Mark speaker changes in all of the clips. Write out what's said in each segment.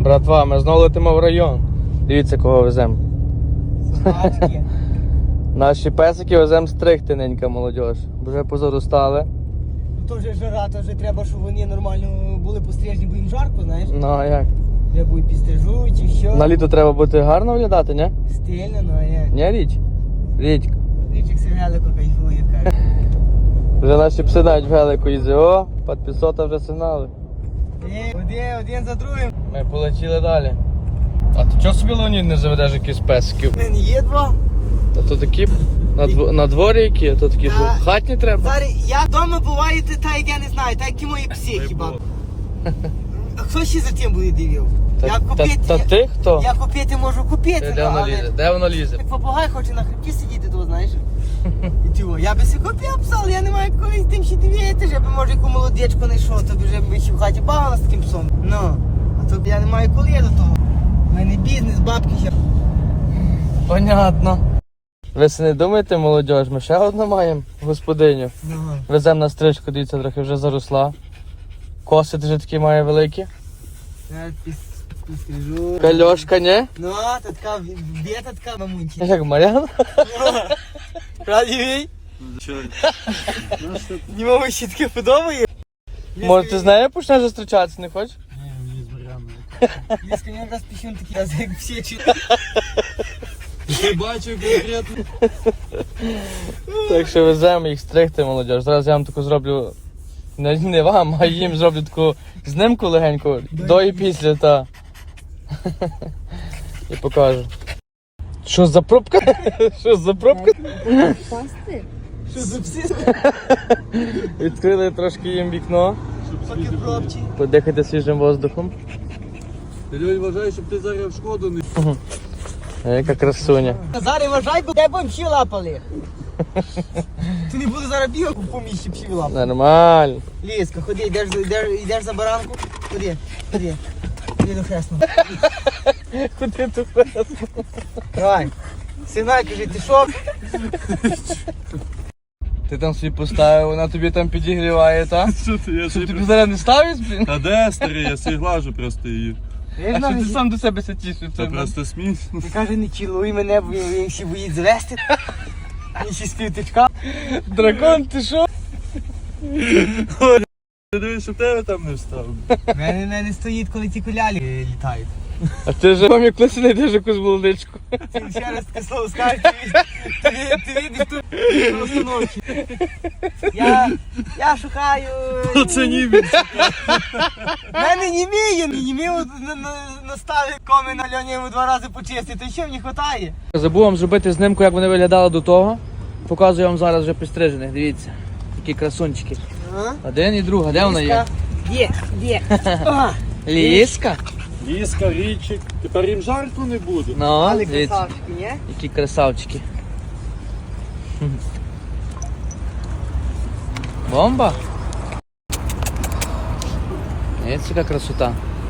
Speaker 1: Братва, ми знову летимо в район. Дивіться, кого веземо.
Speaker 2: Собачки.
Speaker 1: Наші песики веземо стригти, ненька молодь. Вже позаростали.
Speaker 2: То вже жара, то вже треба, щоб вони нормально були пострижені, бо їм жарко, знаєш.
Speaker 1: Ну а як?
Speaker 2: Треба і підстрижуть, і що.
Speaker 1: На літо треба бути гарно виглядати, ні?
Speaker 2: Стильно, ну а як.
Speaker 1: Ні, річ? Річ.
Speaker 2: Річик сигналико кайфує, каже.
Speaker 1: Вже наші пси навіть в гелику їздять. О, підписота вже сигнали.
Speaker 2: Один за другим.
Speaker 1: Ми полетіли далі. А ти чого собі, Леонід, не заведеш якісь песиків?
Speaker 2: У мене є два.
Speaker 1: Та то такі на дворі які, а то такі що хатні треба.
Speaker 2: Зараз я вдома буваю, та як я не знаю, так як і мої пси хіба. А хто ще за тим буде дивив?
Speaker 1: Та ти хто?
Speaker 2: Я купити можу купити,
Speaker 1: Де воно лізе? Де воно лізе?
Speaker 2: як попугай хоче на хребті сидіти, то знаєш. І чого? Я би си купив пса, але я не маю коли тим ще дивитися, я би може яку молодечку знайшов, то б вже б ще в хаті бавила з таким псом. Ну, а то я не маю коли до того. У мене бізнес, бабки ще.
Speaker 1: Понятно. Ви си не думаєте, молодь, ми ще одну маємо господиню.
Speaker 2: Давай.
Speaker 1: Веземо на стрижку, дивіться, трохи вже заросла. Коси вже такі має великі.
Speaker 2: Я підстрижу.
Speaker 1: Кальошка, ні?
Speaker 2: Ну, та така бєта така мамунчі.
Speaker 1: Як Мар'яна?
Speaker 2: Правді? Не маму ще таке подобає.
Speaker 1: Може ти з нею почнеш зустрічатися, не хочеш?
Speaker 3: Ні, мені з Мар'яною.
Speaker 2: Ліска, мені раз піщун такий раз, як всі чи.
Speaker 3: Ти бачив конкретно?
Speaker 1: Так що веземо їх стригти, молодь. Зараз я вам таку зроблю, не вам, а їм зроблю таку знимку легеньку, до і після, та. І покажу. Що за пробка? Що за пробка?
Speaker 4: Пасти?
Speaker 2: Що за пси?
Speaker 1: Відкрили трошки їм вікно,
Speaker 2: Поки пробчі.
Speaker 1: подихати свіжим воздухом.
Speaker 3: Ти Льонь вважає, щоб ти зараз в шкоду не...
Speaker 1: Яка красуня.
Speaker 2: Зараз вважай, бо де будемо всі лапали. Ти не буде зараз бігати по місці всі лапали.
Speaker 1: Нормально.
Speaker 2: Ліска, ходи, йдеш за баранку. Ходи. Ходи до хресного.
Speaker 1: Куди ти хрест?
Speaker 2: Давай. Сигнай, кажи, ти що?
Speaker 1: Ти там собі поставив, вона тобі там підігріває, та?
Speaker 3: Що ти? Я
Speaker 1: Щоб тобі зараз не ставиш, блін?
Speaker 3: А де старий? Я собі глажу просто її.
Speaker 1: А що ти сам до себе тішиш?
Speaker 3: Це просто сміх.
Speaker 2: Він каже, не цілуй мене, бо він ще боїть звести. Він ще співтичка.
Speaker 1: Дракон, ти що?
Speaker 3: Ти дивись, щоб тебе там не встав.
Speaker 2: Мене стоїть, коли ті кулялі літають.
Speaker 1: А ти вже вам як колись знайдеш якусь молодичку.
Speaker 2: Ти ще раз таке слово скажеш, ти видиш тут установки. Я шукаю...
Speaker 3: Оце німець.
Speaker 2: Мене німіє наставив коми на Льоні йому 2 рази почистити, що мені хватає?
Speaker 1: Забув вам зробити знимку, як вони виглядали до того. Показую вам зараз вже підстрижених, дивіться. Такі красунчики. Один і друга, де вона є?
Speaker 2: Де?
Speaker 1: Ліска?
Speaker 3: Ліска, річик. Тепер їм жарко не буде.
Speaker 1: Ну,
Speaker 2: Але
Speaker 1: дивіться,
Speaker 2: красавчики, ні?
Speaker 1: які красавчики. Бомба? Ось яка красота.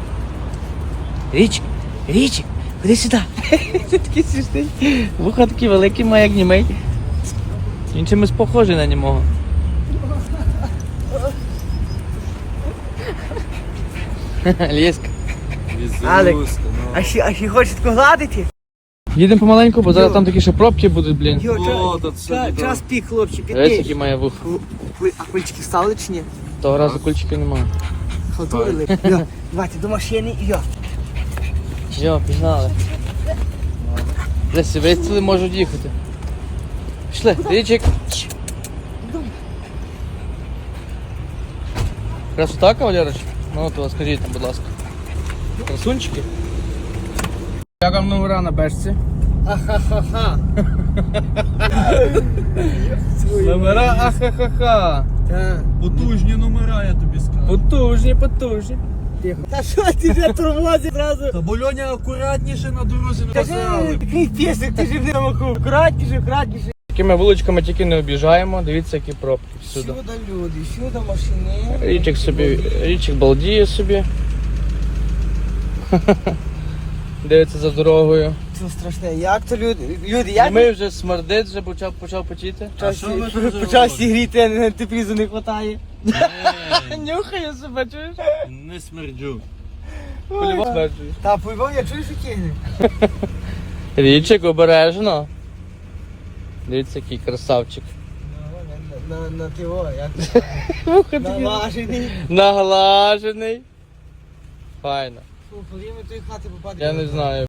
Speaker 1: Річик, ходи сюди. Ти такий смішний. Вуха такі великі, має як німей. Він чимось похожий на німого. Ліска.
Speaker 2: Алек, а ще хочеш таку гладити?
Speaker 1: Їдемо помаленьку, бо зараз там такі ще пробки будуть, блін.
Speaker 3: О, то це
Speaker 2: Час пік, хлопці,
Speaker 1: Ось які
Speaker 2: підпиш.
Speaker 1: має вуха.
Speaker 2: А кульчики встали чи ні?
Speaker 1: Того разу кульчиків немає.
Speaker 2: Халтурили. Давайте до машини і йо.
Speaker 1: Йо, пігнали. Лесі, вистріли можуть їхати. Пішли, річик. Красота, кавалерич? Ну, то скажіть там, будь ласка. Красунчики. Як вам номера на бешці?
Speaker 2: Ахахаха.
Speaker 1: Номера ахахаха.
Speaker 3: Потужні номера, я тобі скажу.
Speaker 1: Потужні.
Speaker 2: Та що ти вже тормозиш зразу?
Speaker 3: Та бо Льоня акуратніше на дорозі не
Speaker 2: Кажи,
Speaker 3: розстріли.
Speaker 2: такий пісик, ти ж в ньому акуратніше.
Speaker 1: Такими вуличками тільки не об'їжджаємо. Дивіться, які пробки всюди.
Speaker 2: Сюди люди, сюди машини.
Speaker 1: Річик балдіє собі. Дивиться за дорогою.
Speaker 2: Це страшне, як то люди, як
Speaker 1: Ми вже смердить, вже почав потіти.
Speaker 3: А що ви тут
Speaker 2: почав
Speaker 3: робите?
Speaker 2: сігріти, а на теплізу не вистачає.
Speaker 1: Нюхає себе, чуєш?
Speaker 3: Не смерджу.
Speaker 1: По-любому стверджуєш.
Speaker 2: Та по-любому я чую, що кигне.
Speaker 1: Річик, обережно. Дивіться, який красавчик.
Speaker 2: На тиво, як це кажуть. Наважений.
Speaker 1: Наглажений. Файно.
Speaker 2: Фу, коли ми тої хати попадемо.
Speaker 1: Я не знаю.